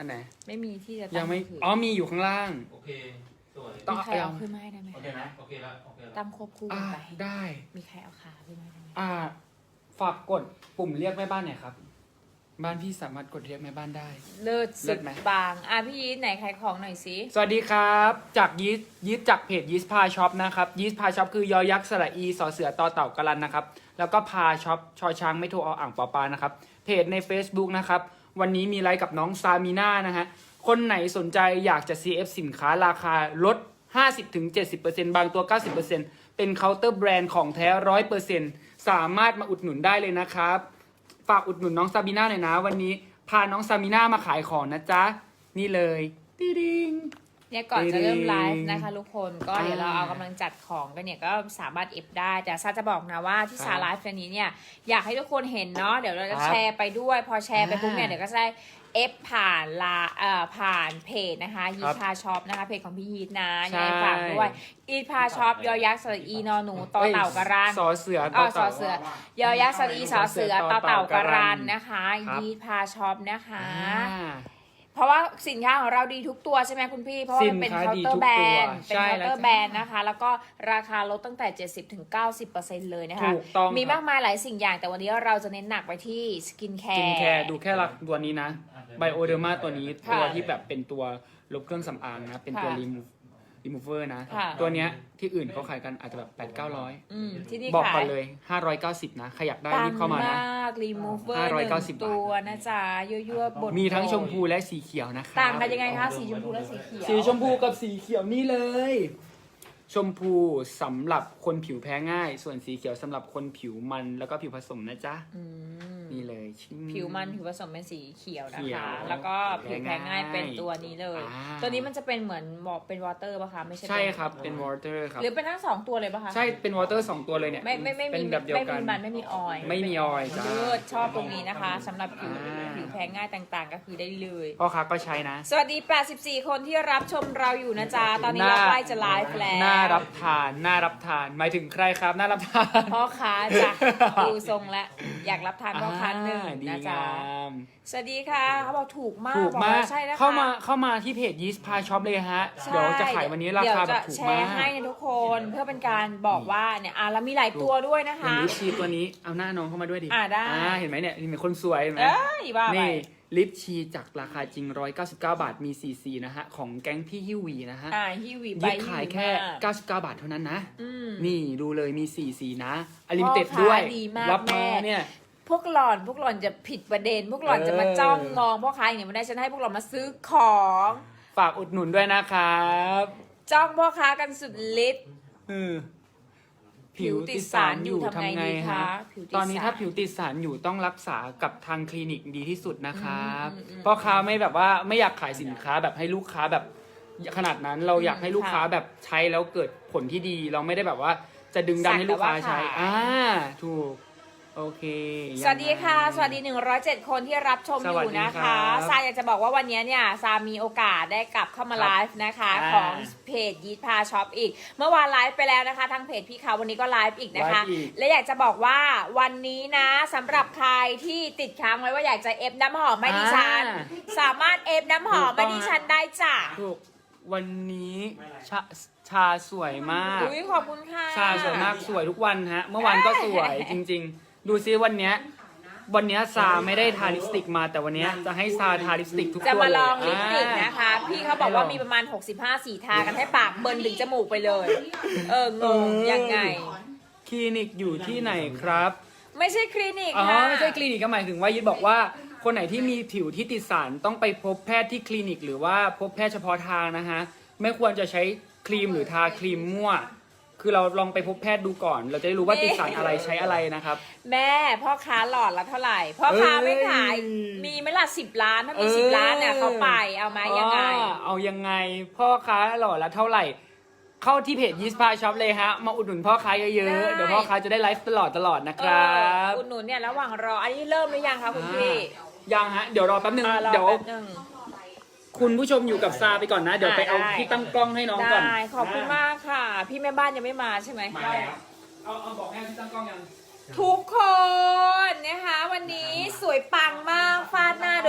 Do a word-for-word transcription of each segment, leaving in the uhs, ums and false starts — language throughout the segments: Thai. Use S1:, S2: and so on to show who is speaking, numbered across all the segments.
S1: นไหน
S2: ไม่มีที่จะ
S1: ยังไม่อ๋อมีอยู่ข้างล่าง
S3: โอเคสวย
S2: มีใครเอาขึ้นมาให้ได้ไหม
S3: โอเคนะโอเคแล้วโอเคแล้ว
S2: ตั้งควบคู่กั
S1: อ่าน
S2: ไป
S1: ได้
S2: มีใครเอาขาขึ้นมาได้ไหม
S1: อ่าฝากกดปุ่มเรียกแม่บ้านหน่อยครับบ้านพี่สามารถกดเรียกแม่บ้านได้
S2: เลิศ
S1: เลิ
S2: สุ
S1: ศ
S2: ด
S1: ไหม
S2: บางอ่ะพี่ยีทไหนขายของหน่อยสิ
S1: สวัสดีครับจากยีสยีสจากเพจยีสพาช็อปนะครับยีสพาช็อปคือยอยักษ์สระอีสอเสือต่อเต่ากะลันนะครับแล้วก็พาช็อปชอช้างไม่โทรเอาอ่างปอปานะครับเพจใน Facebook นะครับวันนี้มีไลฟ์กับน้องซามีน่านะฮะคนไหนสนใจอยากจะ ซี เอฟ สินค้าราคาลด ห้าสิบถึงเจ็ดสิบเปอร์เซ็นต์ บางตัว เก้าสิบเปอร์เซ็นต์ เป็นเคาน์เตอร์แบรนด์ของแท้ ร้อยเปอร์เซ็นต์ สามารถมาอุดหนุนได้เลยนะครับฝากอุดหนุนน้องซามีน่าหน่อยนะวันนี้พาน้องซามีน่ามาขายของนะจ๊ะนี่เลยติ๊ดิง
S2: เนี่ยก่อนจะเริ่มไลฟ์
S1: จริง
S2: นะคะทุกคนก็เดี๋ยวเราเอากำลังจัดของกันเนี่ยก็สามารถเอฟได้แต่ซาจะบอกนะว่าที่ซาไลฟ์วันนี้เนี่ยอยากให้ทุกคนเห็นเนาะเดี๋ยวเราจะ
S1: ครับ
S2: แชร์ไปด้วยพอแชร์ไปปุ๊บเนี่ย
S1: อ่า
S2: เดี๋ยวก็จะได้เอฟผ่านลาเอ่อผ่านเพจนะคะยี
S1: ครับ
S2: พาช็อปนะคะเพจของพี่ยีทนะ
S1: ใช่
S2: ยังไงฝากด้วยอีพาช็อปยอยักษ์สระอีนอหนูต่อเต่ากระรัน
S1: สอเสือ
S2: อ๋
S1: ต่
S2: อ
S1: อ
S2: สอ
S1: เต่า
S2: เสือยอยักษ์สระอีสอเสือต่อเต่ากระรันนะคะ
S1: ครับ
S2: ยีพาช็อปนะคะ
S1: อ่า
S2: เพราะว่าสินค้าของเราดีทุกตัวใช่ไหมคุณพี่ เพราะว่ามันเป็น
S1: สินค้า
S2: เคาน์
S1: ดี
S2: เตอ
S1: ทุ
S2: ร์
S1: ก
S2: แบร
S1: ตัวน
S2: ด์เป็น
S1: ใช่
S2: เคาน์
S1: แล้ว
S2: เตอร์แบรนด์นะคะ แล้วก็ราคาลดตั้งแต่ เจ็ดสิบถึงเก้าสิบเปอร์เซ็นต์ เลยนะคะ
S1: ถูกต้อง
S2: มี
S1: ครับ
S2: มากมายหลายสิ่งอย่าง แต่วันนี้เราจะเน้นหนักไปที่สกินแค
S1: กิน
S2: ร์
S1: แคร์ดูแค่หลักตัวนี้นะไบโอเดอร์มาตัวนี้
S2: ค่ะ
S1: ตัวที่แบบเป็นตัวลบเครื่องสำอางนะ เป็นตัว
S2: ค่ะ
S1: รีมูฟรีมูเวอร์นะ
S2: ค่ะ
S1: ตัวเนี้ยที่อื่นเขาขายกันอาจจะแบบแปดเก้าร้อย
S2: อืมที่นี่
S1: บอก
S2: ขา
S1: ก่อน
S2: ย
S1: เลยห้าร้อยเก้าสิบนะใครอยากได้
S2: ปั
S1: รี
S2: ง
S1: บเข้ามานะ
S2: มากรีมูฟเวอร์
S1: ห้า
S2: ห
S1: ร้อย
S2: นึ่
S1: เก้าสิบ
S2: งตัวนะจ๊ะยั่วๆบด
S1: มีทั้งชมพูและสีเขียวนะคะ
S2: ต่างกันยังไงคะสีชมพูและสีเขียว
S1: สีชมพูกับสีเขียวนี่เลย ชมพูสำหรับคนผิวแพ้ง่าย ส่วนสีเขียวสำหรับคนผิวมันแล้วก็ผิวผสมนะจ๊ะ
S2: อืม
S1: นี่เลย
S2: ผิวมันผิวผสมเป็นสีเขียวนะ
S1: เขีย
S2: คะ
S1: ว
S2: แล้วก็ผิวแพ้ง่ายเป็นตัวนี้เลย
S1: อ่า
S2: ตัวนี้มันจะเป็นเหมือนบอกเป็นวอเตอร์ป่ะคะไม่ใช่
S1: ใช่
S2: เป็น
S1: ครับเป็นวอเตอร์ครับ
S2: หรือเป็นทั้งสองตัวเลยป่ะคะ
S1: ใช่เป็นวอเตอร์สองตัวเลยเนี่ย
S2: ไม่ไม่ไม่
S1: เป็
S2: มี
S1: นแบบเดียว
S2: ไม่
S1: กั
S2: มี
S1: น
S2: มันไม่มีออยล์
S1: ไม่มีออยล์จ้า
S2: เลิศชอบตรงนี้นะคะสำหรับผิว
S1: อ่า
S2: ผิวแพ้ง่ายต่างๆ ก็คือได้เลย
S1: พ่อค้าก็ใช้นะ
S2: สวัสดี แปดสิบสี่ คนที่รับชมเราอยู่นะจ๊ะ ตอนนี้เราใกล้จะไลฟ์แล้ว
S1: น่ารับทานน่ารับทานหมายถึงใครครับน่ารับทาน
S2: พ่อค้าจ้ะดูทรงและอยากรับทานพ่อค้าหนึ่ง
S1: อ่าดี
S2: นะจ๊ะ
S1: งาม
S2: สวัสดีค่ะเขาบอกถูกมาก
S1: ถูก
S2: บอก
S1: มาก
S2: ว่าใช่นะคะ
S1: เข้ามาเข้ามาที่เพจยีสพาช็อปเลยฮะ
S2: ใช่
S1: เดี๋ยวจะขายวันนี้ราคาแบบถูก
S2: เดี๋ยวจะแช
S1: มา
S2: ร์ให้
S1: ก
S2: นะทุกคนเพื่อเป็นการบอกว่าเนี่ยอ่ะแล้วมีหลายตัวด้วยนะ
S1: อย่าง
S2: คะ
S1: ลิปชีตัวนี้เอาหน้าน้องเข้ามาด้วยดิ
S2: อ่าได้
S1: เห็นไหมเนี่ยเห็นไหมคนสวยเห็นไหม
S2: เอ้ยบ้าไป
S1: นี่ลิปชีจากราคาจริงหนึ่งร้อยเก้าสิบเก้าบาทมีสี่สีนะฮะของแก๊งพี่ฮิววีนะฮะ
S2: อ่าฮิวีไป
S1: ยึดขายแค่
S2: ฮิวีม
S1: เก้าสิบเก้าบาทเท่านั้นนะ
S2: อืม
S1: นี่ดูเลยมีสี่สีนะอลิมิเต็ด
S2: พ่อค้า
S1: ด้วย
S2: ดีมาก
S1: รับมา
S2: แม่
S1: เนี่ย
S2: พวกหล่อนพวกหล่อนจะผิดประเด็น พวกหล่อนจะมา
S1: เออ
S2: จ้องมองพ่อค้าอย่างนี้ไม่ได้ฉันให้พวกหล่อนมาซื้อของ
S1: ฝากอุดหนุนด้วยนะครับ
S2: จ้องพ่อค้ากันสุดฤทธิ์
S1: เออ
S2: ผิวติดสารอยู่ทำไงดีคะผิวติดสาร
S1: ตอนนี้ถ้าผิวติดสารอยู่ต้องรักษากับทางคลินิกดีที่สุดนะครับ
S2: อืมอืมอืม
S1: พ่อค้าไม่แบบว่าไม่อยากขายสินค้าแบบให้ลูกค้าแบบขนาดนั้นเราอยากให้ลูกค้า
S2: ค่ะ
S1: แบบใช้แล้วเกิดผลที่ดี เราไม่ได้แบบว่าจะดึงดันให้ลูกค้าใช้
S2: สักแต่ว่าขาย
S1: อ่าถูกโอเค
S2: สวัสดีค่ะ สวัสดีหนึ่งร้อยเจ็ดคนที่รับชมอ
S1: สวัส
S2: ยู่
S1: ดี
S2: นะ
S1: ครั
S2: คะ
S1: บ
S2: ซาอยากจะบอกว่าวันนี้เนี่ยซามีโอกาสได้กลับเข้ามา
S1: ครับ
S2: ไลฟ์นะคะ
S1: อ่า
S2: ของเพจยีทพาช็อปอีก เมื่อวานไลฟ์ไปแล้วนะคะทางเพจพี่เขาวันนี้ก็ไลฟ์อีกนะคะ
S1: ไลฟ์อีก
S2: และอยากจะบอกว่าวันนี้นะสำหรับใครที่ติดค้างไว้ว่าอยากจะเอฟน้ำหอมไม่ดิฉัน
S1: อ่า
S2: สามารถเอฟน้ำหอม
S1: ถูกต้
S2: ไม่
S1: อง
S2: ดิฉันได้จ้ะ
S1: ถูกวันนี้ชาชาสวยมาก
S2: อุ้ยขอบคุณค่ะ
S1: ชาสวยมากสวยทุกวันฮะ เมื่อวานก็สวยจริง ๆ ดูซิวันเนี้ยวันเนี้ยซาไม่ได้ทาลิปสติกมาแต่วันเนี้ยจะให้ซาทาลิปสติกทุกตัว
S2: จะมาลอง
S1: เย
S2: ลิปสติกนะคะ พี่เขาบอกว่ามีประมาณหกสิบห้าสีทากันให้ปากเบิร์นถึงจมูกไปเลย เอองงยังไง
S1: คลินิกอยู่ที่ไหนครับ
S2: ไม่ใช่คลินิก
S1: อ๋อ
S2: ค่ะ
S1: ไม่ใช่คลินิกก็หมายถึงว่ายึดบอกว่าคนไหนที่มีผิวที่ติดสารต้องไปพบแพทย์ที่คลินิก หรือว่าพบแพทย์เฉพาะทางนะฮะไม่ควรจะใช้ครีมหรือทาครีมมั่ว คือเราลองไปพบแพทย์ดูก่อน เราจะได้รู้ว่าติดสารอะไรใช้อะไรนะครับ
S2: แม่พ่อค้าหลอดละเท่าไหร่ พ่อค้าไม่ขาย
S1: เอ้ย
S2: มีไหมล่ะสิบล้าน ถ้ามี
S1: เออ
S2: สิบล้านเนี่ยเขาไปเอาไหมยังไง
S1: อ๋อเอายังไงพ่อค้าหล่อละเท่าไหร่ เข้าที่เพจยิสพาช็อปเลยฮะมาอุดหนุนพ่อค้าเย
S2: ได้
S1: อะๆเดี๋ยวพ่อค้าจะได้ไลฟ์ตลอดตลอดนะครับ
S2: เอออุดหนุนเนี่ยระหว่างรอ อันนี้เริ่มหรือยังคะคุณพี่
S1: ยังฮะเดี๋ยวรอแป๊บนึง
S2: อ่ารอ
S1: เดี๋ยว
S2: แป๊บนึง
S1: คุณผู้ชมอยู่กับซาไปก่อนนะ เดี๋ยวไปเอา
S2: ได้
S1: ที่ตั้งกล้องให้น้องก่อน
S2: ได้ขอบคุณมากค่ะ พี่แม่บ้านยังไม่มาใช่ไหม
S1: มาแล้วเอาเอาบอกให้ที่ตั้งกล้องยัง
S2: ทุกคนนะคะวันนี้สวยปังมากฟาดหน้าโดย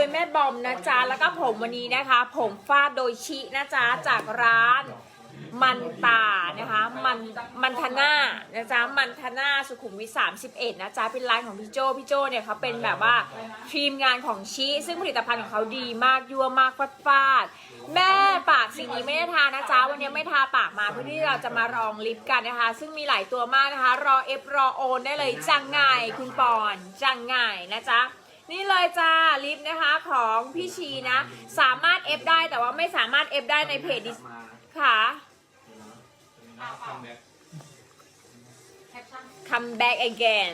S2: แม่บอมนะจ๊ะแล้วก็ผมวันนี้นะคะ ผมฟาดโดยชินะจ๊ะจากร้านมันตานะคะมันมันทนานะจ๊ะมันทนาสุขุมวิทสามสิบเอ็ดนะจ๊ะเป็นร้านของพี่โจพี่โจเนี่ยเขาเป็นแบบว่าทีมงานของชิซึ่งผลิตภัณฑ์ของเขาดีมากยั่วมากฟาดฟาดแม่ปากสิ่งนี้ไม่ได้ทานะจ๊ะวันนี้ไม่ทาปากมาเพื่อที่เราจะมาลองลิปกันนะคะซึ่งมีหลายตัวมากนะคะรอเอฟรอโอนได้เลยจังไงคุณปอนจังไงนะจ๊ะนี่เลยจ้าลิปนะคะของพี่ชีนะสามารถเอฟได้แต่ว่าไม่สามารถเอฟได้ในเพจดิค่ะ come back again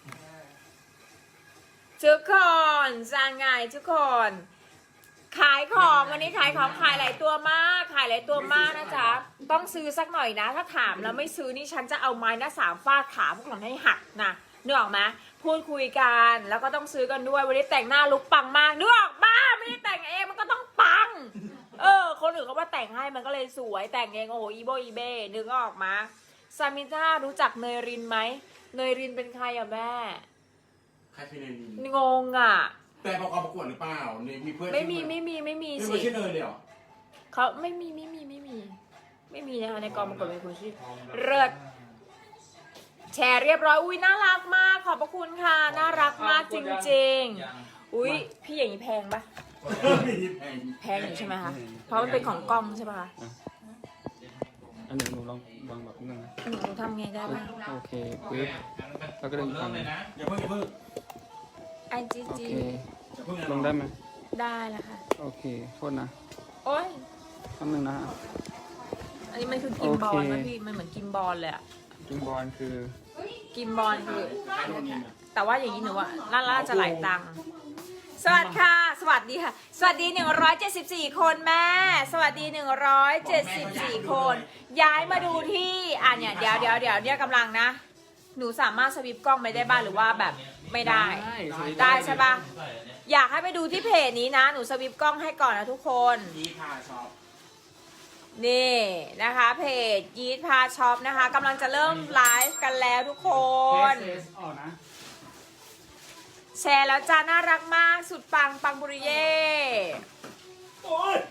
S2: ทุกคนจังไงทุกคนขายของวันนี้ขายของขายหลายตัวมากขายหลายตัวมากนะจ๊ะต้องซื้อสักหน่อยนะถ้าถามแล้วไม่ซื้อนี่ฉันจะเอาไม้หน้าสามฟาดขาพวกหล่อนให้หักนะนึกออกไหมพูดคุยกันแล้วก็ต้องซื้อกันด้วยวันนี้แต่งหน้าลุกปังมากนึกออกบ้าไม่ได้แต่งเองมันก็ต้องปังเออคนอื่นเขาว่าแต่งให้มันก็เลยสวยแต่งเองโอ้โหอีโบอีเบ้นึกออกมาซามิต้ารู้จักเนยรินไหมเนยรินเป็นใครอะแม่
S4: ใครคือเนยริน
S2: งงอะ
S4: แต่ประกอบประกวดหรือเปล่าเนี่ยมีเพื่อน
S2: ไม่มีไม่มีไม่มี
S4: ไม่
S2: สิ
S4: มีชื่อเนยเลยเหรอ
S2: เขาไม่มีไม่มีไม่มีไม่มีนะคะในกองประกวดเป็นคนชื่อเลิศแชร์เรียบร้อยอุ้ยน่ารักมากขอบพระคุณค่ะน่ารักมากจริงๆอุ้ยพี่อย่างนี้แพงปะ
S4: มีแพง
S2: แพงอยู่ใช่ไหมคะเพราะมันเป็นของกล้องใช่ปะคะ
S1: อันนี้หนูลองวางแบบนึงนะ
S2: หนูทำไงได้บ้าง
S1: โอเคปึ๊บแล้วก็เดินอีก
S3: เริ่
S1: ฝั่
S3: ม
S1: งห
S3: เล
S1: นึ่
S3: ย
S1: ง
S3: นะ
S4: อย่าเพิ่งอย่าเพิ่ง
S2: ไอจี
S1: โอ
S2: จี
S1: เค
S4: อย่าเพิ่งนะ
S1: ลงได้ไหม
S2: ได้แล้วค่ะ
S1: โอเคโทษนะ
S2: โอ้ย
S1: แป๊บนึงนะ
S2: อันนี้มันคือกิมบอล
S1: โอเค
S2: นะพี่มันเหมือนกิมบอลเลยอะ
S1: กิงบอลคือ
S2: กิมบอลคือ แต่ว่าอย่างนี้หนูว่าน่าจะหลายตังค์สวัสดีค่ะ สวัสดีค่ะ สวัสดีหนึ่งร้อยเจ็ดสิบสี่คนแม่ สวัสดีหนึ่งร้อยเจ็ดสิบสี่คน ย้ายมาดูที่อ่ะเนี่ยเดี๋ยวเดี๋ยวเดี๋ยวเนี่ยกำลังนะ หนูสามารถสวิปกล้องไปได้บ้างหรือว่าแบบไม่ได้ ได้ใช่ปะ
S3: ใส่อันเนี้ย
S2: อยากให้ไปดูที่เพจนี้นะ หนูสวิปกล้องให้ก่อนนะทุกคน
S4: ยีพาช็อป
S2: นี่นะคะเพจยีดพาช็อปนะคะกำลังจะเริ่มไลฟ์กันแล้วทุกคน
S1: เทสออกนะ
S2: แชร์แล้วจ้าน่ารักมากสุดปังปังบุริเย่
S4: โอ้ย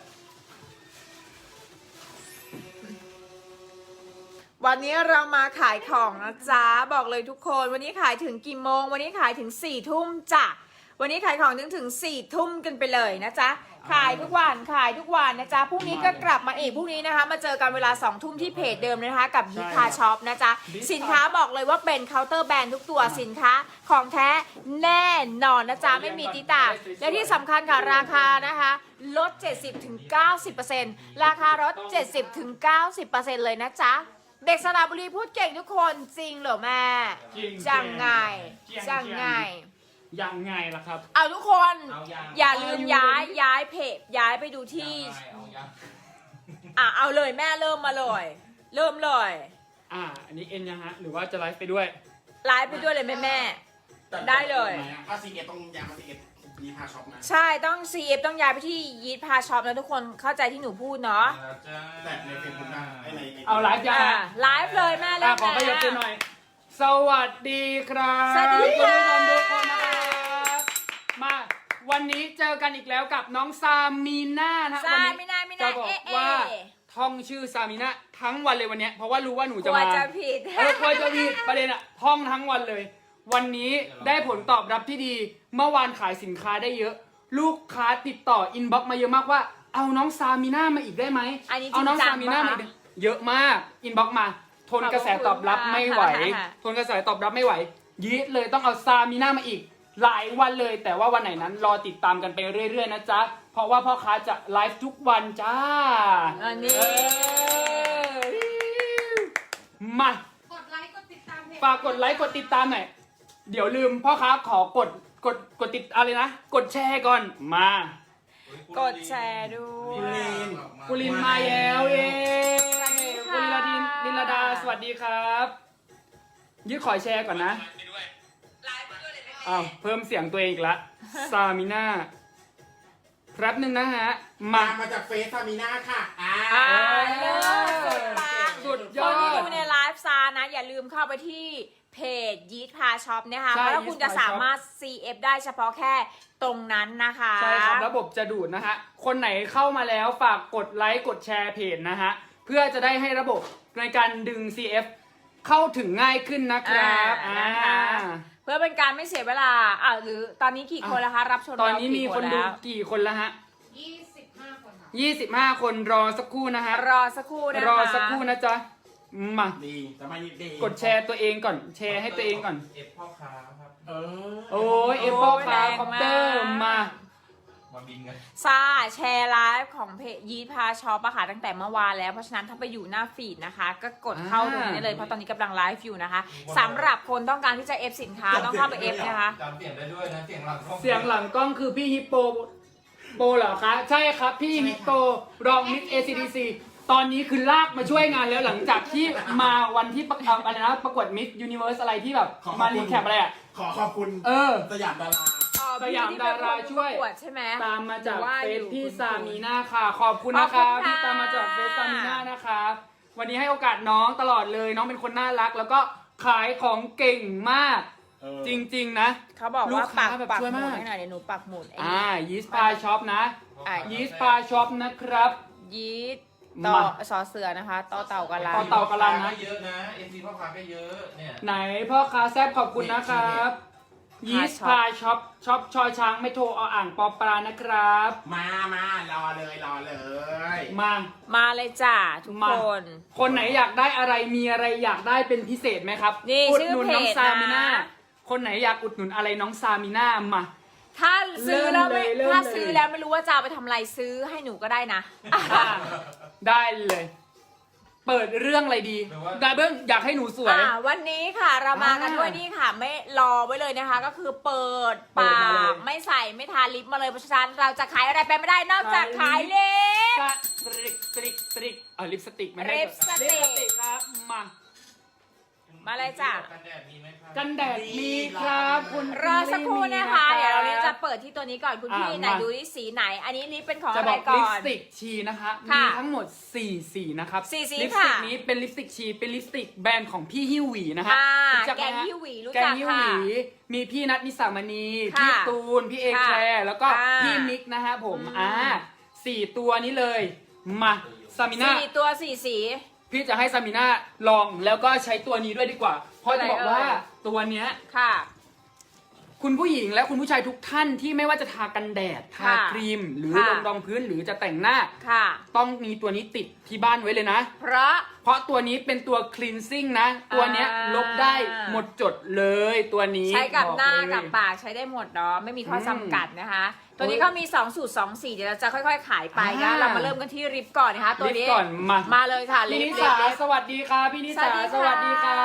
S2: วันนี้เรามาขายของนะจ๊ะบอกเลยทุกคนวันนี้ขายถึงกี่โมงวันนี้ขายถึงสี่ทุ่มจ้ะวันนี้ขายของถึงถึงสี่ทุ่มกันไปเลยนะจ๊ะขายทุกวันขายทุกวันนะจ๊ะพรุ่งนี้ก็กลับมาอีกพรุ่งนี้นะคะมาเจอกันเวลาสองทุ่มที่เพจเดิมนะคะกับยิคาช็อปนะจ๊ะสินค้าบอกเลยว่าเป็นเคาน์เตอร์แบรนด์ทุกตัวสินค้าของแท้แน่นอนนะจ๊ะไม่มีติตาและที่สำคัญค่ะราคานะคะลด เจ็ดสิบถึงเก้าสิบเปอร์เซ็นต์ ราคาลด เจ็ดสิบถึงเก้าสิบเปอร์เซ็นต์ เลยนะจ๊ะเด็กสระบุรีพูดเก่งทุกคนจริงเหรอแม่
S1: จริง
S2: จังไง
S1: จริง
S2: จังไง
S1: ยังไงล่ะครับ
S2: เอาทุกคน
S3: เอายัง
S2: อย่าลืมย้ายย้ายเพจย้ายไปดูที่
S3: เอายัง
S2: อ่ะเอาเลยแม่เริ่มมาเลย เริ่มเลย
S1: อ่า อันนี้เอ็นยังฮะ หรือว่าจะไลฟ์ไปด้วย
S2: ไลฟ์ไปด้วยเลยแม่แม่ ได้เลย
S4: ถ้าซีเอต้องยางมาซีเอยีพาช็อปนะ
S2: ใช่ต้อง ซี เอฟ ต้องย้ายไปที่ยีดพาช็อปนะทุกคนเข้าใจที่หนูพูดเนาะ
S3: แล้วจ้า
S4: แต่ในเฟซบุ๊กได้ไอ้ใน
S1: เอาไลฟ์ยัง
S2: อ่ะ
S1: ฮะ
S2: ไลฟ์เลยแม่เริ่
S1: อ่ะ
S2: ม
S1: ขอขยับตัวหน่อย สวัสดีครับ
S2: สวัสดีค่ะ
S1: ณผู้ชมทุกคนนะครับ มาวันนี้เจอกันอีกแล้วกับน้องซามีน่านะ
S2: ใช่
S1: วัน
S2: ไม่
S1: นี้
S2: ได้ไม่ได้
S1: จะบอก
S2: เอ๊ะ
S1: ว่า
S2: เอ๊ะ
S1: ท่องชื่อซามีน่าทั้งวันเลยวันเนี้ยเพราะว่ารู้ว่าหนู
S2: ก
S1: จะ
S2: ลัว
S1: มา
S2: จะผิด
S1: เออกลัวจะผิดประเด็นอะท่องทั้งวันเลย วันนี้ได้ผลตอบรับที่ดี เมื่อวานขายสินค้าได้เยอะ ลูกค้าติดต่ออินบ็อกมาเยอะมากว่า เอาน้องซามีน่ามาอีกได้ไหม
S2: อันนี้จ
S1: เอา
S2: ริง
S1: น้อง
S2: จั
S1: ซาง มีน่า
S2: ปะ
S1: มา
S2: คะ
S1: อีกได้เยอะมากอินบ็อกมา ทนกระแสตอบรับไม่ไหว
S2: ขอบคุณค่ะ
S1: ทนกระแสตอบรับไม่ไหวยีดเลยต้องเอาซามีน่ามาอีก หลายวันเลย แต่ว่าวันไหนนั้นรอติดตามกันไปเรื่อยๆนะจ๊ะเพราะว่าพ่อค้าจะไลฟ์ทุกวันจ้า
S2: อันนี้
S1: เออมา
S5: กดไลค์กดติดตามเพจ
S1: ฝากกดไลค์กดติดตามหน่อย เดี๋ยวลืมพ่อค้าขอกดกดกดติดอะไรนะ กดแชร์ก่อน มา
S2: กดแชร์ด้วย
S1: กุลินมาแล้วเย้
S2: สวัสดี
S1: กุ
S2: ค่ะ
S1: ลินลาดินลินลาดา สวัสดีครับยืดขอแชร์ก่อนนะอ้าวเพิ่มเสียงตัวเองอีกละ ซามิน่าแป๊บหนึ่งนะฮะ มา
S4: มามาจากเฟซซามีน่าค่ะอ่า
S2: อ่าเลิศสุดปัง
S1: สุดย
S2: ค
S1: อน
S2: ที่
S1: ด
S2: ดูในไลฟ์ซานะ อย่าลืมเข้าไปที่เพจยีดพาช็อปนะคะ
S1: ใช่
S2: เพราะว่าคุณจะ
S1: Yeast Pie
S2: สามารถ ซี เอฟ ได้เฉพาะแค่ตรงนั้นนะคะ
S1: ใช่ครับระบบจะดูดนะฮะคนไหนเข้ามาแล้วฝากกดไลค์กดแชร์เพจนะฮะเพื่อจะได้ให้ระบบในการดึง ซี เอฟ เข้าถึงง่ายขึ้นนะครับ
S2: อ่า
S1: อ่า
S2: นะคะ เพื่อเป็นการไม่เสียเวลาอ่าหรือตอนนี้กี่คนแล้วคะรับชม
S1: ตอน
S2: เรา
S1: นี้มี
S2: กี่
S1: คนดู
S2: แล้ว
S1: กี่คนแล้วฮะ
S5: ยี่สิบห้าคนค่ะ
S1: ยี่สิบห้าคนรอสักครู่นะฮะ
S2: รอสักครู่นะคะ
S1: รอสักครู่นะจ๊ะมา
S4: ดีจะไม่ดี
S1: กดแชร์ตัวเองก่อนแชร์ให้ตัวเองก่อน
S3: เอฟพ่อค้าครับ
S4: เออ
S1: โอ้ยเอฟเปิลคาคอปเตอร์มา
S3: มาบินกัน
S2: ซาแชร์ไลฟ์ของเพจยีดพาช็อปอะค่ะตั้งแต่เมื่อวานแล้วเพราะฉะนั้นถ้าไปอยู่หน้าฟีดนะคะ ก็กดเข้าตรงนี้ได้เลยเพราะตอนนี้กำลังไลฟ์อยู่นะคะสำหรับคนต้องการที่จะเอฟสินค้าต้องเข้าไปเอฟนะคะ
S3: จำเสียงได้ด้วยนะ เสียงหลังกล้อง
S1: เสียงหลังกล้องคือพี่ฮิปโปโปเหรอคะ ใช่ครับพี่ฮิปโปรองมิส เอ ซี ดี ซี ตอนนี้คือลากมาช่วยงานแล้วหลังจากที่มาวันที่ประกวดอะไรนะประกวดมิสยูนิเวิร์สอะไรที่แบบมารีแคปอะไรอ่ะ
S4: ขอขอบคุณ
S1: เออ
S4: สยามดารา
S1: สยามดาราช่วย
S2: ประกวดใช่ไหม
S1: ตามมาจาก
S2: ว่า
S1: เฟ
S2: อ
S1: ซ
S2: ยู่
S1: พี่
S2: คุณ
S1: ซามีนาค่ะ ขอบคุณนะ
S2: ขอบ
S1: คะ
S2: คุณค่ะ
S1: ที่ตามมาจากเฟซซามีนานะคะวันนี้ให้โอกาสน้องตลอดเลยน้องเป็นคนน่ารัก แล้วก็ขายของเก่งมาก
S4: เออ
S1: จริงๆนะ
S2: เขาบอก
S1: ลู
S2: ว่าก
S1: ค้า
S2: ปัก
S1: แบบ
S2: ปัก
S1: ช่วย
S2: หมุ
S1: มาก
S2: ดให้หน่อยเดี๋ยวหนูปักหมุดไอ้
S1: อ่ายีสปาช็อปนะ
S2: อ่ะ
S1: ยีสปาช็อปนะครับ
S2: ยีดต่อ
S1: มา
S2: สอเสือนะคะต่อเต่ากะลา
S1: ต่อเต่ากะลันนะ
S3: เยอะนะเอฟซีพ่อค้าก็เยอะเนี่ย
S1: ไหนพ่อค้าแซบขอบคุณนะครับยีสปาช็อปช็อปชอช้างไม่โทรเอาอ่างปอปลานะครับ
S4: มามารอเลยรอเลย
S1: มา
S2: มาเลยจ้าทุก
S1: มา
S2: คน
S1: คนไหนอยากได้อะไรมีอะไรอยากได้เป็นพิเศษไหมครับ
S2: นี่
S1: อุด
S2: ชื่อ
S1: หนุน
S2: เพ
S1: น้อง
S2: จ
S1: ซามิน่า
S2: นะ
S1: คนไหนอยากอุดหนุนอะไรน้องซามิน่ามา
S2: ถ้าซื้อแล้วไม่
S1: เริ่มเลย
S2: ถ้า
S1: เริ่มเลย
S2: ซื้อแล้วไม่รู้ว่าจะเอาไปทำอะไรซื้อให้หนูก็ได้นะ
S1: อ่ะได้เลย เปิดเรื่องอะไรดีดาเบิ้งอยากให้หนูสวย
S2: อ่าวันนี้ค่ะเรามากัน
S1: อ่า
S2: ด้วยนี่ค่ะ ไม่รอไว้เลยนะคะ ก็คือเปิด
S1: เปิ
S2: ปา
S1: ดมาเลย
S2: กไม่ใส่ไม่ทาลิปมาเลยเพราะฉะนั้นเราจะขายอะไรไปไม่ได้นอกจากขายเล็บ
S1: สตริกสตริกสตริกเออลิปสติกไม่ให้
S2: ลิปสติก
S1: ลิปสติกครับมา
S2: มาเลยจ้ะ
S3: กันแดดมีไหมครับ
S1: กันแดดมีครับคุณ
S2: รอสักครู่นะคะ
S1: มี
S2: เดี๋ยวเราจะเปิดที่ตัวนี้ก่อนคุณพี่
S1: อ่ะ
S2: ไหน
S1: มา
S2: ดูที่สีไหน อันนี้ลิปเป็นของ
S1: จะ
S2: อะ
S1: บ
S2: ไร
S1: อก
S2: ก่
S1: ลิ
S2: อ
S1: ป
S2: น
S1: สติกชีนะคะ
S2: ค่ะ
S1: มีทั้งหมดสี่สีนะครับ
S2: สี่สี
S1: ลิปสติก
S2: ค่ะ
S1: นี้เป็นลิปสติกชีเป็นลิปสติกแบรนด์ของพี่ฮิวหวีนะฮะ
S2: อ่า
S1: รู้จักไห
S2: แก
S1: ม
S2: ง
S1: ฮะ
S2: ฮิวหวีรู้
S1: แก
S2: จั
S1: ง
S2: ก
S1: ฮิว
S2: ค่ะ
S1: หวีมีพี่นัทนิสามณี
S2: ค่ะ
S1: พี่ตูนพี่เอ
S2: ค่ะ
S1: แคลร์แล้วก็
S2: ค่ะ
S1: พี่มิกนะฮะผม
S2: อืม
S1: อ่าสี่ตัวนี้เลยมาซามิน่า
S2: สี่ตัวสี่สี
S1: พี่จะให้ซามิน่าลองแล้วก็ใช้ตัวนี้ด้วยดีกว่า เพราะจะบอกว่า
S2: อะไรเอ่ย
S1: ตัวเนี้ย
S2: ค่ะ
S1: คุณผู้หญิงและคุณผู้ชายทุกท่านที่ไม่ว่าจะทากันแดด ทา
S2: ค่ะ
S1: ครีม หรือ
S2: ค่ะ
S1: ลงรองพื้นหรือจะแต่งหน้า
S2: ค่ะ
S1: ต้องมีตัวนี้ติดที่บ้านไว้เลยนะ
S2: เพราะ
S1: เพราะตัวนี้เป็นตัว cleansing นะ ตัวเนี้ย
S2: อ่า
S1: ลบได้หมดจดเลยตัวนี้
S2: ใช้กับหน้า
S1: บอกเลย
S2: กับปากใช้ได้หมดเนาะไม่มีข้ออ
S1: ม
S2: จำกัดนะคะ ตัวนี้เขามีสองสูตรสองสีเดี๋ยวเราจะค่อยๆ ขายไปนะ
S1: อ่า
S2: เรามาเริ่มกันที่ริปก่อนนะคะตัว
S1: ลิป
S2: นี้
S1: ก่อนมา
S2: มาเลยค่ะ
S1: พี่
S2: ลิ
S1: นิ
S2: ป
S1: สา
S2: ลิป
S1: สวัสดีค่ะพี่นิสาสวัสดีครับ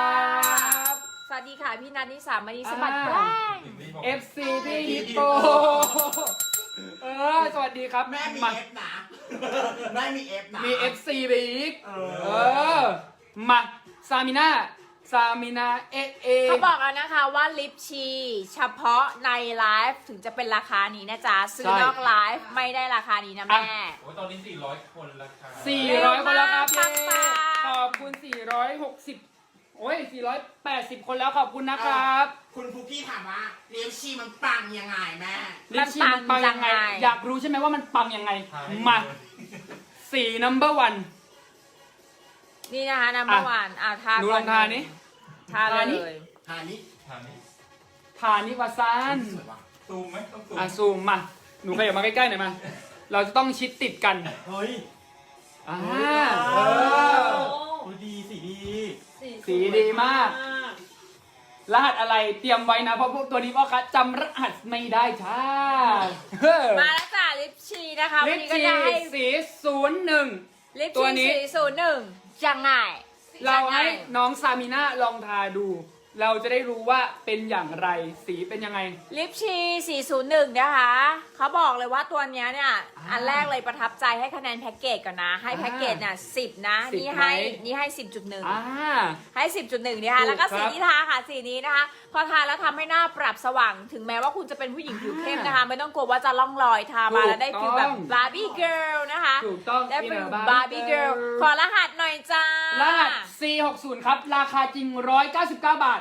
S2: สวัสดีค่ะพี่นันนิสามานีสะบัด
S1: อ่า
S2: แป้ง
S1: เอฟ ซี พี่ฮิปโปเออสวัสดีครับ
S4: แม่มี
S1: มา
S4: เอฟนะ แม่มีเอฟนะ
S1: มี เอฟ ซี ไปอีก
S4: เอ
S1: เอ
S4: อ
S1: อ มาซามิน่าซามิน่าเอเอ
S2: เขาบอกแล้วนะคะว่าลิปชีเฉพาะในไลฟ์ถึงจะเป็นราคานี้นะจ๊ะซื้อนอกไลฟ์ไม่ได้ราคานี้นะแม่
S3: โอ้ยตอนนี้สี่ร้อยคนแล้วครับ
S1: สี่ร้อยคนแล้วครับ
S2: ปั
S1: เย้
S2: งๆ
S1: ขอบคุณสี่ร้อยหกสิบโอ้ยสี่ร้อยแปดสิบคนแล้วขอบคุณนะครับ
S4: คุณฟุกกี้ถามว่าเลี้ยวชีมันปังยังไงแม่
S1: ลิปชีมันปังยังไง
S2: มันปังยังไง
S1: อยากรู้ใช่ไหมว่ามันปังยังไง
S3: ทให้
S1: มาสี่ number one
S2: นี่นะคะน้ำเมื่อวานอ่ะทา
S1: หนูลองทานี้
S2: ทา
S1: ทานี้
S2: เลย
S4: ทานี้
S3: ทานนี้
S1: ทานิวาซาน
S4: สวยว่ะ
S3: ซูมไหมต้องซูม
S1: อ่ะซูมมา หนูขยับมาใกล้ๆหน่อยมา เราจะต้องชิดติดกัน
S4: เฮ้ย
S1: อ่า
S4: เอ
S1: เออ
S4: โอ้ดีสีดี
S1: สีดีมาก รหัสอะไรเตรียมไว้นะ เพราะพวกตัวนี้พ่อค้าจำรหัสไม่ได้จ้าเฮ้อ
S2: มาแล้วจ้ะลิปชีนะคะวั
S1: ลิ
S2: น
S1: ป
S2: นี้ก็
S1: ชี
S2: จะให้
S1: สีศูนย์หนึ่ง
S2: ลิป
S1: ตัว
S2: ชี
S1: นี้
S2: สีศูนย์หนึ่งยังไง
S1: เราให้
S2: ยังไง
S1: น้องซามิน่าลองทาดู เราจะได้รู้ว่าเป็นอย่างไรสีเป็นยังไง
S2: ลิปชีสี่ศูนย์หนึ่งนะคะเขาบอกเลยว่าตัวเนี้ยเนี่ย
S1: อ่า
S2: อันแรกเลยประทับใจให้คะแนนแพ็กเกจก่อนนะ ให้
S1: อ่า
S2: แพ็กเกจเนี่ยสิบนะ
S1: สิบ
S2: นี่ให้
S1: ไหม
S2: นี่ให้สิบจุดหนึ่ง
S1: อ่า
S2: ให้ สิบจุดหนึ่งนะคะ
S1: ถูก
S2: แล้วก็สี
S1: ครับ
S2: ที่ทาค่ะสีนี้นะคะ พอทาแล้วทำให้หน้าปรับสว่าง ถึงแม้ว่าคุณจะเป็นผู้หญิงผิวเข้มนะคะ ไม่ต้องกลัวว่าจะล่องรอยทามาแล้วได้ฟิลแบบบาร์บี้เกิร์ลนะคะ
S1: ถูกต้อง
S2: ได้ฟิล
S1: Inner
S2: บาร์บี้เกิร์ลขอรหัสหน่อยจ้าร
S1: หัส ซี หกสิบ ครับ ราคาจริง หนึ่งร้อยเก้าสิบเก้า บาท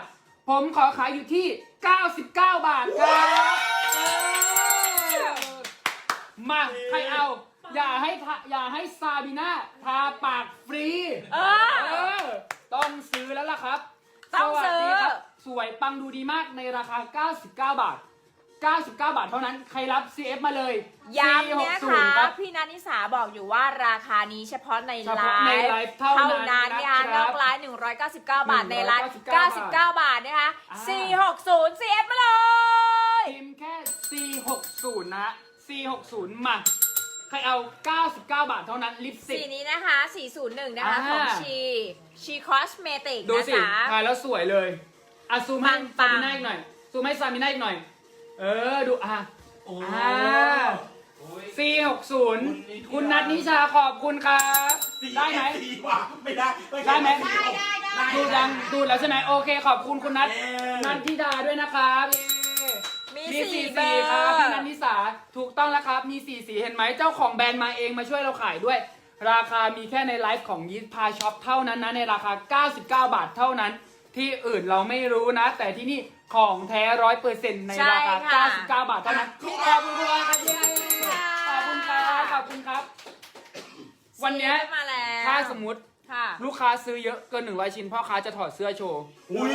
S1: ผมขอขายอยู่ที่เก้าสิบเก้าบาทครับเออมาใครเอา อย่าให้ทาอย่าให้ซาบีน่าทาปากฟรี
S2: เออ
S1: เออ ต้องซื้อแล้วล่ะครับ
S2: ต้องซื้อ
S1: สวัสดีครับ สวยปังดูดีมากในราคา เก้าสิบเก้าบาท เก้าสิบเก้าบาทเท่านั้น ใครรับ ซี เอฟ มาเลย
S2: ย้ำเนี่ย
S1: สี่หกศู
S2: ค่ะ
S1: นย์รับ
S2: พี่นัทนิสาบอกอยู่ว่าราคานี้เฉพาะใน
S1: เฉ
S2: ไล
S1: พาะในไล
S2: ฟ์
S1: ฟ์เท่านั้น
S2: เนี่ย
S1: นะครับ
S2: นอกไลฟ์หนึ่งร้อยเก้าสิบเก้าบาทในไลฟ์
S1: หนึ่งร้
S2: เก้า
S1: อย
S2: สิ
S1: เก้า
S2: บ
S1: สิบ
S2: เก้า
S1: เก้า
S2: บาทนะคะ
S1: อ่า
S2: สี่หกศูนย์ ซี เอฟ มาเลย
S1: พิมพ์แค่ สี่หกศูนย์ นะ สี่หกศูนย์ มา ใครเอา เก้าสิบเก้าบาทเท่านั้น ลิปสติ
S2: สี
S1: ก
S2: นี้นะคะสี่ศูนย์หนึ่งนะคะ
S1: อ่า
S2: ของชีชีคอสเมติก
S1: ดู
S2: นะ
S1: สิ
S2: คะ
S1: ถ่ายแล้วสวยเลยอ่ะซูมให้
S2: ปั
S1: ซาง มิน่าอีกหน่อย ซูมให้ซามิน่าอีกหน่อย เออ ดูอ่ะ
S4: โอ้
S1: อ่า
S3: โอ้ย
S1: สี่หกศูนย์ คุณนัทนิชาขอบคุณครับ ได้ไหม
S4: ดีว่ะไม่ได้
S1: ได้ไหม
S5: ได้ได้ได้
S1: ดูดังดูแล้วใช่ไหมโอเค ขอบคุณคุณนัท
S4: เย้
S1: นันทิดาด้วยนะครับเย้
S2: มี
S1: มี
S2: สี่
S1: สี่
S2: เบ
S1: สี
S2: อ
S1: ครับ
S2: ร์
S1: พี่นันทิสาถูกต้องแล้วครับ มีสี่สีเห็นไหมเจ้าของแบรนด์มาเองมาช่วยเราขายด้วย ราคามีแค่ในไลฟ์ของยีสพาช็อปเท่านั้นนะในราคา เก้าสิบเก้าบาทเท่านั้น ที่อื่นเราไม่รู้นะ แต่ที่นี่ของแท้ร้อยเปอร์เซ็นต์ในราคา
S2: ใช่ค่ะ
S1: เก้าสิบเก้าบาทเท่านั้นขอบคุณครับขอบคุณครับขอบคุณครับ วันเนี้ย
S2: ซี เอฟ มาแล้ว
S1: ถ้าสมมติ
S2: ค่ะ
S1: ลูกค้าซื้อเยอะเกินหนึ่งร้อยชิ้นพ่อค้าจะถอดเสื้อโชว์
S4: อุ้ย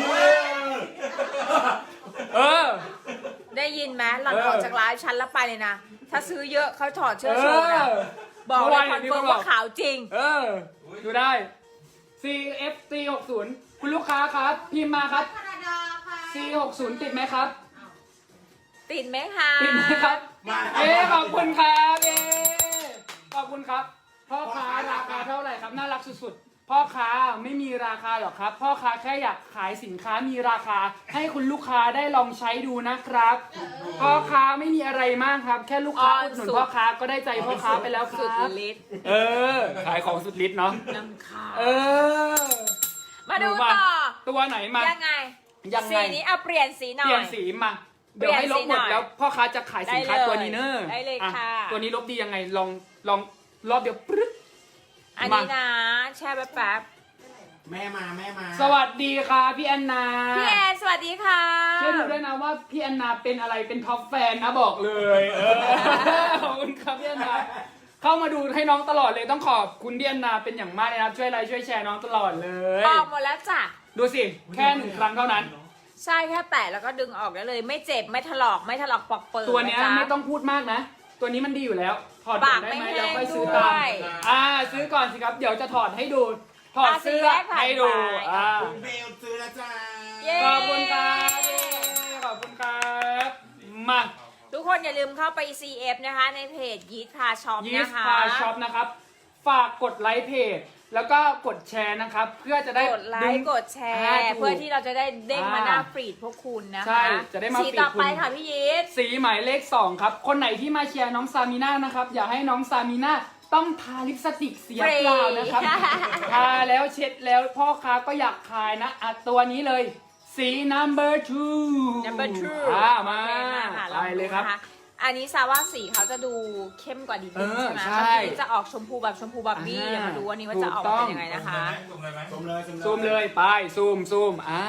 S1: เออ
S2: ได้ยินไหมหล่อน
S1: เออ
S2: ออกจากไลฟ์ชั้นแล้วไปเลยนะ ถ้าซื้อเยอะเขาถอดเชือกโชว์นะ
S1: เออ
S2: บอกเลยคอน
S1: เมื่
S2: เฟิ
S1: อ
S2: ร์ม
S1: วาน
S2: ว่าขาวจริง
S1: เออ ดูได้ ซี เอฟ ซี หกศูนย์ คุณลูกค้าครับ พิมพ์มาครับ
S5: แคนาดาค่ะ
S1: ซี หกศูนย์ ติดไหมครับ
S2: ติดไหมคะ
S1: ติดไหมครับ
S4: มา
S1: เอ๊ขอบคุณครับเอ๊ขอบคุณครับ พ่อค้าราคาเท่าไหร่ครับ น่ารักสุดๆ พ่อค้าไม่มีราคาหรอกครับ พ่อค้าแค่อยากขายสินค้ามีราคา ให้คุณลูกค้าได้ลองใช้ดูนะครับ พ่อค้าไม่มีอะไรมากครับ แค่ลูกค้า
S2: อ๋อ
S1: อุดหนุน
S2: สุด
S1: พ่อค้าก็ได้ใจพ่อค้าไปแล้วค
S2: สุด
S1: รับ
S2: ฤทธิ์
S1: เออ ขายของสุดฤทธิ์เนาะ
S2: น้ำขาว
S1: เออ
S2: มาดูต่อ
S1: ตัวไหนมา
S2: ยังไง
S1: ยังไง
S2: สีนี้เอาเปลี่ยนสีหน่
S1: เป
S2: อ
S1: ลี่ย
S2: ย
S1: นสีมา เดี๋ยวให้ลบหมดแล้วพ่อค้าจะขายสินค้า
S2: ได้เลย
S1: ตัวนี้เนอะ
S2: ได้เลย
S1: อ่
S2: ค่ะ
S1: ตัวนี้ลบดียังไงลองลองรอบเดียวปึ๊ด
S2: อันนี้นะ แช่แป๊บ
S4: แม่มาแม่มา
S1: สวัสดีค่ะพี่แอนนา
S2: ๆพี่แอนสวัสดีค่ะ
S1: ช่วยดูด้วยนะว่าพี่แอนนาเป็นอะไรเป็นท็อปแฟนนะบอกเลยเออขอบคุณครับพี่แอนนาเข้ามาดูให้น้องตลอดเลยต้องขอบคุณพี่แอนนาเป็นอย่างมากเลยนะครับช่วยไลค์ช่วยแชร์น้องตลอดเลย
S2: ออกหมดแล้วจ้ะ
S1: ดูสิแค่หนึ่งครั้งเท่านั้น
S2: ใช่แค่แตะแล้วก็ดึงออกได้เลย ไม่เจ็บไม่ถลอกไม่ถลอกปอกเปิด
S1: ตัวเนี้ย
S2: ะจ๊ะ
S1: ไม่ต้องพูดมากนะ ตัวนี้มันดีอยู่แล้ว ถอดก่
S2: ปา
S1: อก นได้ไหม
S2: ไม่แห้ง
S1: แล้วค่อยซื้อ
S2: ด้
S1: ตาม
S2: วย
S1: อ่าซื้อก่อนสิครับ เดี๋ยวจะถอดให้ดู ถอด
S2: อ่ะ
S1: เสื้อ
S2: สีแรกผ่าน
S1: ให้ดู
S2: ไป
S1: อ่า
S4: คุณเบลซื้อแล้วจ้า
S2: เย้
S1: ขอบคุณครับขอบคุณครับมา
S2: ทุกคนอย่าลืมเข้าไป ซี เอฟ นะคะ ในเพจยีทพาช็อป
S1: ยี
S2: นะ
S1: ส
S2: คะ
S1: พาช็อปนะครับ ฝากกดไลค์เพจ แล้วก็กดแชร์นะครับ เพื่อจะได้
S2: กดไล
S1: ดึง
S2: ค์กดแช
S1: อ่า
S2: ร์
S1: ถูก
S2: เพื่อที่เราจะได้เด้งมา
S1: อ่า
S2: หน้าฟีดพวกคุณนะคะ
S1: ใช่จะได้มา
S2: สี
S1: ฟีด
S2: ต่อไป
S1: คุณ
S2: ค่ะพี่ยีท
S1: สีหมายเลขสองครับ คนไหนที่มาเชียร์น้องซามิน่านะครับ อย่าให้น้องซามิน่าต้องทาลิปสติกเสียเปล่านะครับ ทาแล้วเช็ดแล้วพ่อค้าก็อยากขายนะอ่ะตัวนี้เลย สี number two
S2: number two
S1: อ่ามา
S2: โอเคค่ะ
S1: ไปเลยครับ
S2: องดูนะะอันนี้ซาว่าสีเขาจะดูเข้มกว่าดี
S1: เอ
S2: นิด
S1: อ
S2: ใช่ไหม
S1: ใช่
S2: บางทีจะออกชมพูแบบชมพูแบบนี้
S1: อ่า
S2: เดี๋ยวมาดูวันนี้ว่าจะออก
S1: ถูกต้อง
S2: เป็นยังไงนะคะ
S3: สุ่มเลยไหม
S4: ซูมเลย
S1: ซูมเลยไปซูมซูมอ่า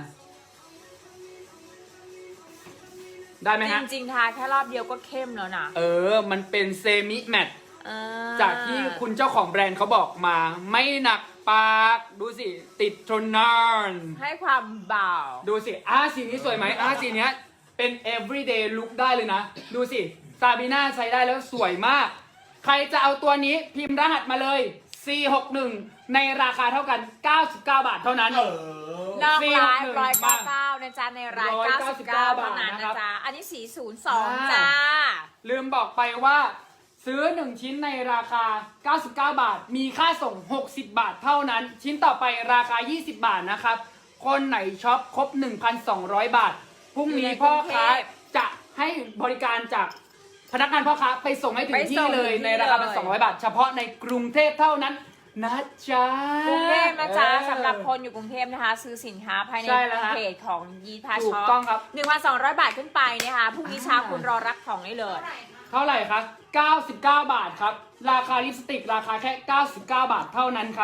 S1: ได้ไหม
S2: จ
S1: ฮะ
S2: ริงๆทาแค่รอบเดียวก็เข้มแล้วนะ
S1: เออ มันเป็นเซมิแมต
S2: อ่า
S1: จากที่คุณเจ้าของแบรนด์เขาบอกมา ไม่หนักปาก ดูสิ ติดทนนาน
S2: ให้ความเบา
S1: ดูสิอ่าสีนี้สวยไหมอ่าสีเนี้ยเป็น everyday look ได้เลยนะ ดูสิซาบีน่าใช้ได้แล้วสวยมาก ใครจะเอาตัวนี้พิมพ์รหัสมาเลย ซี หกหนึ่ง ในราคาเท่ากัน เก้าสิบเก้า บาทเท่านั้น
S4: เออน
S2: อกไลฟ์
S1: สี่
S2: ร้อย
S1: หกหนึ่
S2: เก้าง เก้านะจ๊ะในราย
S1: ร้อย
S2: เก้า
S1: เก้า
S2: สิ
S1: สิ
S2: บบ เก้า
S1: เก้า
S2: เท่านั้น
S1: บาทนะครั
S2: นะ
S1: บ
S2: จ๊ะ อันนี้สีศูนย์สอง
S1: อ่า
S2: จ้า
S1: ลืมบอกไปว่าซื้อหนึ่งชิ้นในราคา เก้าสิบเก้า บาท มีค่าส่ง หกสิบ บาทเท่านั้น ชิ้นต่อไปราคา ยี่สิบ บาทนะครับ คนไหนช็อปครบ หนึ่งพันสองร้อย บาท พรุ่งนี้พ่อค้าจะให้บริการจากพนักงานพ่อค้าไปส่งให้ถึงที่เลยในราคาสองร้อยบาท เฉพาะในกรุงเทพเท่านั้นนะจ๊ะ
S2: กรุงเทพนะจ๊ะ
S1: เออ
S2: สำหรับคนอยู่กรุงเทพนะคะ ซื้อสินค้าภายใน
S1: ใช่แล้วฮะ
S2: เพจของยีพา
S1: ถู
S2: ช็
S1: ก
S2: อป
S1: ต้องครับ
S2: หนึ่งพันสองร้อยบาทขึ้นไปนะคะพรุ่งนี้เช้า
S1: อ่า
S2: คุณรอรับของได้เลย
S5: เท่าไหร่คะ
S1: เท่าไหร่คะเก้าสิบเก้า บาทครับ ราคาลิปสติกราคาแค่ เก้าสิบเก้า บาทเท่านั้นครับ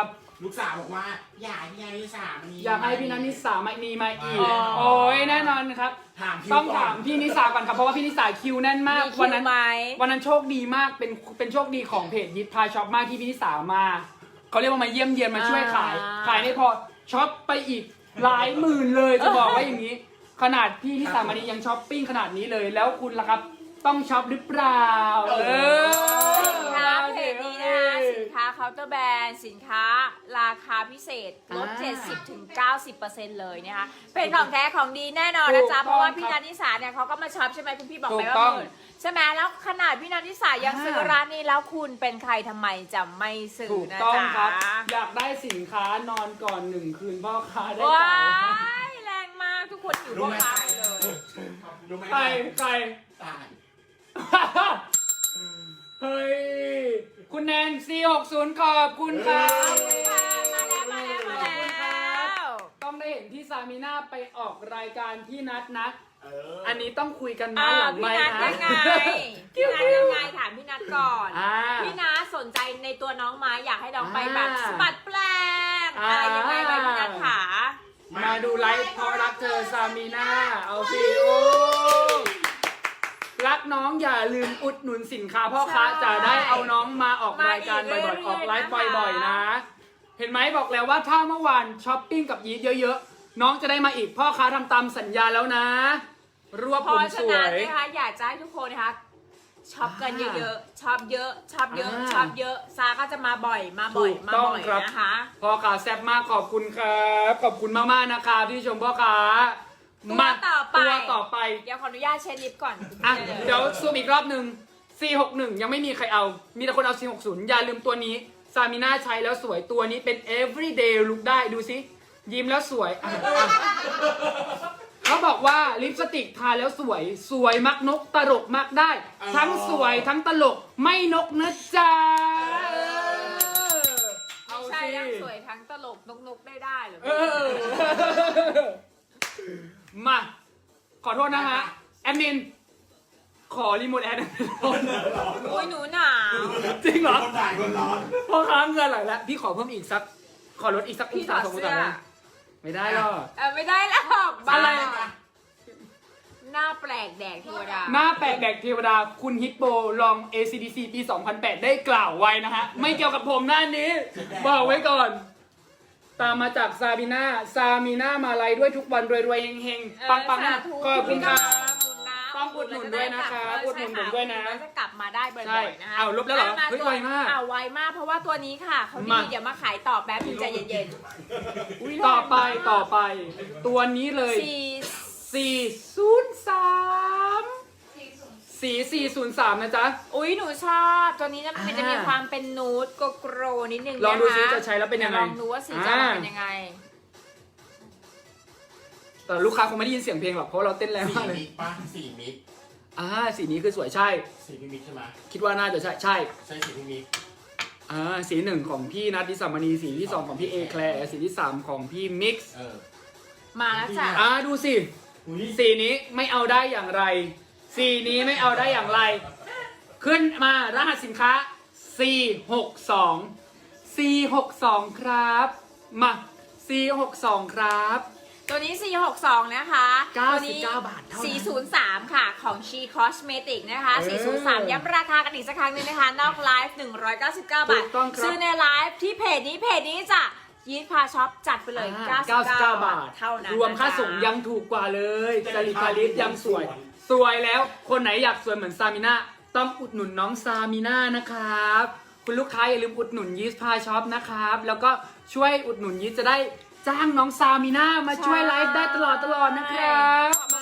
S4: ลูกสาวบอกว่าอยากให้พี่นิสามานี่
S1: อยากให้พี่นัทนิสามานีมาอีก
S2: อ๋อ
S1: โอ้ยแน่นอนครับ
S4: ถามคิว
S1: ต้อง
S4: ก่น
S1: ถามพี่นิสาก่อนครับเพราะว่าพี่นิสาคิวแน่นมาก
S2: มีคิ
S1: วัน
S2: ว
S1: นั้น
S2: ไหม
S1: วันนั้นโชคดีมากเป็นเป็นโชคดีของเพจยิทพาช็อปมากที่พี่นิสามาเขาเรียกว่ามาเยี่ยมเยียนมาช่วยขาย
S2: อ่า
S1: ขายไม่พอช็อปไปอีกหลายหมื่นเลยจะบอกว่าอย่างนี้ ขนาดพี่นิสามานียังช้อปปิ้งขนาดนี้เลย แล้วคุณล่ะครับต้องช็อปหรือเปล่าเออ
S2: สินค้าเพจนี้นะคะสินค้าเคาน์เตอร์แบรนด์สินค้าราคาพิเศษลด
S1: อ่า
S2: เจ็ดสิบถึงเก้าสิบเปอร์เซ็นต์ เลยนะคะเป็นของแท้ของดีแน่นอนนะจ๊ะ
S1: ถูกต้อง
S2: เพราะว่าพี่นันทิสาเนี่ยเขาก็มาช็อปใช่ไหมคุณพี่บอกไป
S1: ถูก
S2: ว่า
S1: ต้อง
S2: หมื่นใช่ไหมแล้วขนาดพี่นันทิสายัง
S1: อ่า
S2: ซื้อร้านนี้แล้วคุณเป็นใครทำไมจะไม่ซื้อ
S1: ถูก
S2: นะ
S1: ต้อง
S2: จ๊ะ
S1: ครับ อยากได้สินค้านอนก่อนหนึ่งคืนพ่อค้าได้
S2: ว้า
S1: เปล่า
S2: ยแรงมากทุกคนอยู่
S4: รู้
S2: พ่อ
S4: ไหม
S2: ค้าเลย
S4: รู้ไหม
S1: ใครใคร
S4: ตาย
S1: เฮ้ย คุณแนน ซี หกสิบ ขอบคุณครับ
S2: มาแล้วมาแล้วมาแล้ว
S1: ต้องได้เห็นที่ซามิน่าไปออกรายการพี่นัทนะ
S4: เออ
S1: อันนี้ต้องคุยกันนะ
S2: อ่า
S1: หลัง
S2: พี่
S1: ไม
S2: นัท
S1: ค์
S2: ยั
S1: นะ
S2: งไงพี่นัทยังไงถามพี่นัทก่อน
S1: อ่า
S2: พี่นัทสนใจในตัวน้องไหม้อยากให้น้องไปแบบ
S1: อ่า
S2: สะบัดแปลก
S1: อ่า
S2: อะไรยังไงไหมพี่นัทขา
S1: มาดูไลฟ์เพราะรักเธอซามิน่าเอาสิโอ้รักน้องอย่าลืมอุดหนุนสินค้าพ่อค้าจะได้เอาน้องมาออกรายการบ่อยๆ ออกไลฟ์บ่อยๆนะ เห็นไหมบอกแล้วว่าถ้าเมื่อวานช้อปปิ้งกับยีทเยอะๆ น้องจะได้มาอีกพ่อค้าทำตามสัญญาแล้วนะ รวบ
S2: เพ
S1: ผม
S2: ราะ
S1: ส
S2: ฉะ
S1: ว
S2: นั้น
S1: ย
S2: นะคะอยากจะให้ทุกคนนะคะช็อปกันเยอะๆช็อปเยอะช็อปเยอะ
S1: อ่า
S2: ช็อปเยอะซาก็จะมาบ่อยมาบ่อย
S1: ถูก
S2: มา
S1: ต้อง
S2: บ่อย
S1: ครับ
S2: นะคะ
S1: พ่อค้าแซ่บมากขอบคุณครับขอบคุณมากๆนะครับที่ชมพ่อค้า
S2: ตัว
S1: มา
S2: ต่อไป
S1: ตัวต่อไป
S2: เดี๋ยวขออนุญาตเช็ดลิปก่อน
S1: อ่ะ
S2: ได้ล
S1: เดี๋ยวซูมอีกรอบหนึ่ง ซี หกสิบ ยังไม่มีใครเอา มีแต่คนเอา ซี หกสิบ อย่าลืมตัวนี้ ซามิน่าใช้แล้วสวยตัวนี้เป็น everyday look ได้ดูสิ ยิ้มแล้วสวยอ่ะอ่ะเขาบอกว่าลิปสติกทาแล้วสวย สวยมักนกตลกมักได้ ทั้งสวยทั้งตลกไม่นกนะจ๊ะเออเอา
S2: ใช่
S1: สิ
S2: ทั้งสวยทั้งตลกนกๆได้ได้เหรอ
S1: เออ มา ขอโทษนะฮะ แอดมิน ขอรีโมทแอด
S4: ร้อนร้อน
S2: โอ้ยหนูหนาว
S1: จริงเหรอ
S4: คนถ่ายคนร้อน
S1: พ่อค้าเงินไหลแล้ว พี่ขอเพิ่มอีกสัก ขอลดอีกสักอง
S2: พี่ถ
S1: ศา
S2: อด
S1: สององ
S2: เสื้
S1: ศา
S2: อ
S1: ได้ไม่ได้หรอก
S2: เออไม่ได้แล้วบ้า
S1: อะไร
S2: หน้าแปลกแดกเทวดา
S1: หน้าแปลกแดกเทวดา คุณฮิปโปลอง เอ ซี ดี ซี ปี สองพันแปด ได้กล่าวไว้นะฮะ ไม่เกี่ยวกับผมหน้านี้ บอกไว้ก่อน ตามมาจากซาบิน่า ซามิน่ามาไลยด้วยทุกวันรวยๆเฮงๆ ปังๆนะขอบคุณครับ ต้องอุดหนุนด้วยนะครับอุดหนุนผมด้วยนะ
S2: แล้วจะกลับมาได้บ่
S1: ใช่
S2: อยๆนะคะ
S1: เอาลบแล้วเหรอ
S2: มา
S1: เฮ้ย
S2: ตัว
S1: ไวมาก
S2: อ่าไวมากเพราะว่าตัวนี้ค่ะเขาดี
S1: มา
S2: เดี๋ยวมาขายต่อแป๊บนึงใจเย็นๆอุ๊ย
S1: ต่อไป
S2: แรงมาก
S1: ต่อไป ตัวนี้เลย
S2: สี่
S1: สี่ศูนย์สามสีสี่ศูนย์สามนะจ๊ะ
S2: อุ้ยหนูชอบตัวนี้นะมันจะมี
S1: อ่า
S2: ความเป็นนูดโกโกรนิดนึง
S1: ลองดู
S2: นค
S1: ซิจะใช้แล้วเป็นยังไง
S2: ลองดูว่าสีจะออกมาเป็นยังไง
S1: แต่ลูกค้าคงไม่ได้ยินเสียงเพลงหรอกเพราะเราเต้นแรง
S4: สี่
S1: มากเลย
S4: มิกป่ะสี่มิก
S1: อ่าสีนี้คือสวยใช่
S4: สี่พี่มิกใช่ไหม
S1: คิดว่าน่าจะใช่ใช่
S4: ใช่สี่พี่มิก
S1: อ่าสีหนึ่งของพี่นัทดิสามณีสีที่สองของพี่เอแคลร์สีที่สามของพี่มิกซ์
S4: เออ
S2: มาแล้วจ้ะ
S1: อ่าดูสิ
S4: อุ้ย
S1: สีนี้ไม่เอาได้อย่างไร สีนี้ไม่เอาได้อย่างไร ขึ้นมารหัสสินค้า สี่หกสอง สี่หกสอง ครับ มา สี่หกสอง ครับ
S2: ตัวนี้ สี่หกสอง นะคะ
S1: เก้า
S2: ตัว
S1: สิบ
S2: นี้
S1: เก้าบาทเท่านั้น
S2: สี่ศูนย์สาม ค่ะ ของ She Cosmetic นะคะ
S1: เออ
S2: สี่ศูนย์สาม ย้ำราคากันอีกสักครั้งหนึงนะคะ นอกไลฟ์หนึ่งร้อยเก้าสิบเก้า บาท
S1: ถูกต้องครับ
S2: ซื้อในไลฟ์ที่เพจนี้เพจนี้จ้ะยีดพาช็อปจัดไปเลย
S1: อ่า
S2: เก้าสิบเก้า
S1: บาท
S2: เท่านั้น
S1: รวมค่าส่ง
S2: นะะ
S1: ยังถูกกว่าเลยจริตาลิสยังสวย สวยแล้ว คนไหนอยากสวยเหมือนซามิน่าต้องอุดหนุนน้องซามิน่านะครับ คุณลูกค้าอย่าลืมอุดหนุนยีสพาช็อปนะครับ แล้วก็ช่วยอุดหนุนยีสจะได้จ้างน้องซามิน่ามาช่วยไลฟ์ได้ตลอดตลอดนะครับ
S2: บ